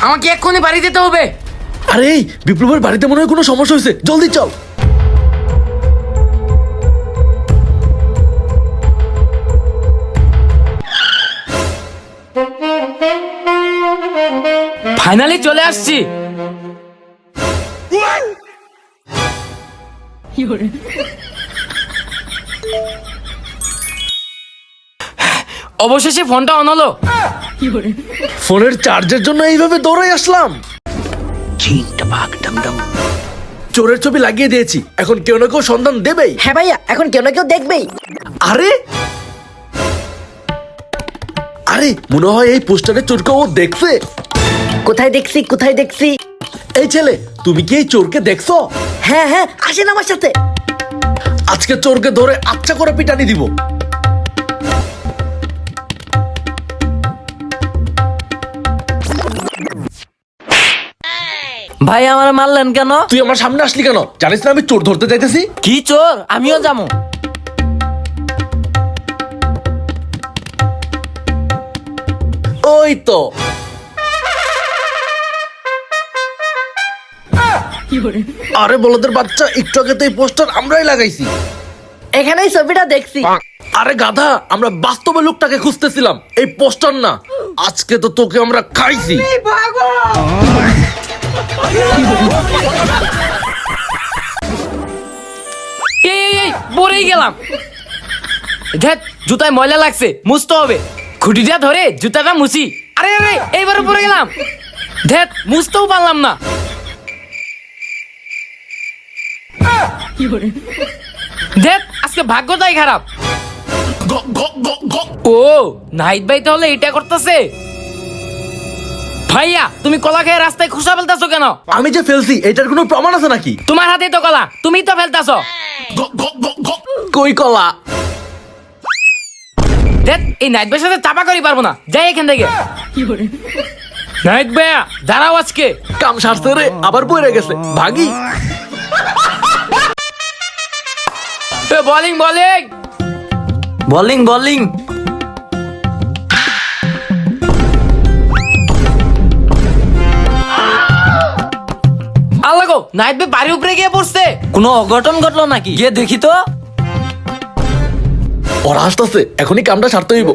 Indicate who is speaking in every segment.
Speaker 1: আমাকে এক্ষুনি বাড়ি যেতে হবে।
Speaker 2: আরে বিপ্লবের বাড়িতে মনে হয় কোনো সমস্যা হয়েছে, জলদি চল।
Speaker 1: ফাইনালি চলে আসছি। অবশেষে ফোনটা অন হলো।
Speaker 2: ফোনের চার্জের জন্য এইভাবে দৌড়াই আসলাম। চোরের ছবি লাগিয়ে দিয়েছি, এখন কেউ না কেউ সন্ধান দেবেই।
Speaker 3: হ্যাঁ ভাইয়া, এখন কেউ না কেউ দেখবেই।
Speaker 2: আরে আরে মনে হয় এই পোস্টারের চোরকে ও দেখছে।
Speaker 3: কোথায় দেখছি কোথায় দেখছি?
Speaker 2: এই ছেলে, তুমি কি এই চোরকে দেখছো?
Speaker 3: হ্যাঁ হ্যাঁ, আসেন আমার সাথে।
Speaker 2: আজকে চোরকে ধরে আচ্ছা করে পিটানি দিব।
Speaker 1: ভাই আমার মারলেন কেন?
Speaker 2: তুই আমার সামনে আসলি কেন? জানিস না আমি চোর ধরতে চাইতেছি?
Speaker 1: কি চোর? আমিও যাবো।
Speaker 2: ওই তো আরে বলদের বাচ্চা, একটু আগে তো এই পোস্টার আমরাই লাগাইছি।
Speaker 3: এখানেই ছবিটা দেখছি।
Speaker 2: আরে গাধা, আমরা বাস্তবে লোকটাকে খুঁজতেছিলাম, এই পোস্টার না। আজকে তো তোকে আমরা খাইছি।
Speaker 1: এই পরেই গেলাম। ধ্যাৎ, জুতায় ময়লা লাগছে, মুছতে হবে। খুঁটিটা ধরে জুতাটা মুছি। আরে আরে, এইবারে পরে গেলাম। ধ্যাৎ, মুছতেও পারলাম না। ধ্যাৎ, আজকে ভাগ্যটাই খারাপ। ও নাহিদ ভাই তাহলে এটা করতেছে। ভাইয়া, তুমি কলা খেয়ে রাস্তায় খুশা ফেলতেছো কেন?
Speaker 2: আমি যে ফেলছি এটার কোনো প্রমাণ আছে নাকি?
Speaker 1: তোমার হাতে তো কলা, তুমি তো ফেলতেছো।
Speaker 2: কই কলা?
Speaker 1: দেখ, এই নাহিদ ভাইয়ের সাথে চাপা করি পারবো না, যাই এখান থেকে। নাহিদ ভাইয়া দাঁড়াও, আজকে
Speaker 2: কাম সারছে রে, আবার বইরে গেছে, ভাগি।
Speaker 1: Bowling bowling bowling bowling. Allah গো, নাহিদ ভাই বাড়ির উপরে গিয়ে পড়ছে। কোনো অঘটন ঘটলো নাকি? গিয়ে দেখি তো।
Speaker 2: ওরা আসতেছে, এখনই কামটা সারতে হইব।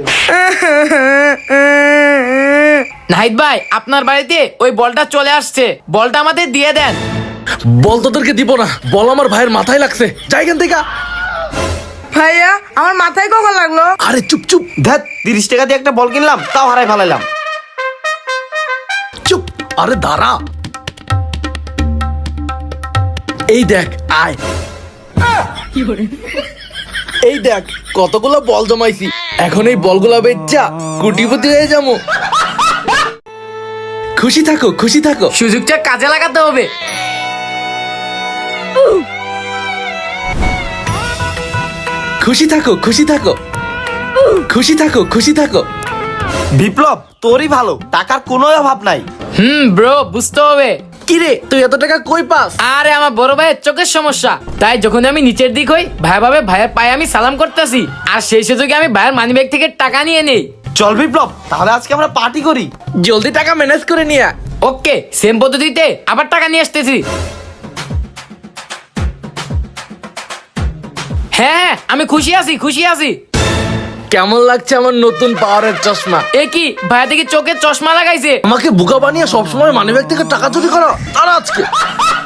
Speaker 1: নাহিদ ভাই, আপনার বাড়িতে ওই বলটা চলে আসছে, বলটা আমাদের দিয়ে দেন।
Speaker 2: বল তোদেরকে দিব না, বল আমার ভাইয়ের মাথায় লাগছে, যাই এখান থেকে।
Speaker 4: ভাইয়া, আমার মাথায় কখন লাগলো?
Speaker 2: আরে চুপ চুপ,
Speaker 5: ধ্যাত, 30 টাকা দিয়ে একটা বল কিনলাম, তাও হারাই ফেলাইলাম।
Speaker 2: চুপ। আরে দাঁড়া, এই দেখ, আয়। এই দেখ কতগুলো বল জমাইছি, এখন এই বলগুলা বেচা কোটিপতি হয়ে যাবো। খুশি থাকো খুশি থাকো।
Speaker 1: সুযোগটা কাজে লাগাতে হবে।
Speaker 2: খুশি থাকো খুশি থাকো খুশি থাকো খুশি থাকো।
Speaker 5: বিপ্লব, তোরই ভালো, টাকার কোনো অভাব নাই।
Speaker 1: ব্রো, বুঝতে হবে।
Speaker 2: কিরে, তুই এত টাকা কই পাস?
Speaker 1: আরে আমার বড় ভাইয়ের চোখের সমস্যা, তাই যখন আমি নিচের দিক হই, ভাই ভাবে ভাইয়ের পায়ে আমি সালাম করতেছি, আর সেই সুযোগে আমি ভাইয়ের মানিব্যাগ থেকে টাকা নিয়ে নেই।
Speaker 5: চল বিপ্লব, তাহলে আজকে আমরা পার্টি করি।
Speaker 2: জলদি টাকা ম্যানেজ করে নিয়ে আয়।
Speaker 1: ওকে, সেম পদ্ধতিতে আবার টাকা নিয়ে আসতেছি। হ্যাঁ, আমি খুশি আছি খুশি আছি।
Speaker 2: কেমন লাগছে আমার নতুন পাওয়ারের চশমা?
Speaker 1: এ কি, ভাইয়া দেখি চোখে চশমা লাগাইছে।
Speaker 2: আমাকে বোকা বানিয়ে সবসময় মানিব্যাগ থেকে টাকা চুরি করো, আর আজকে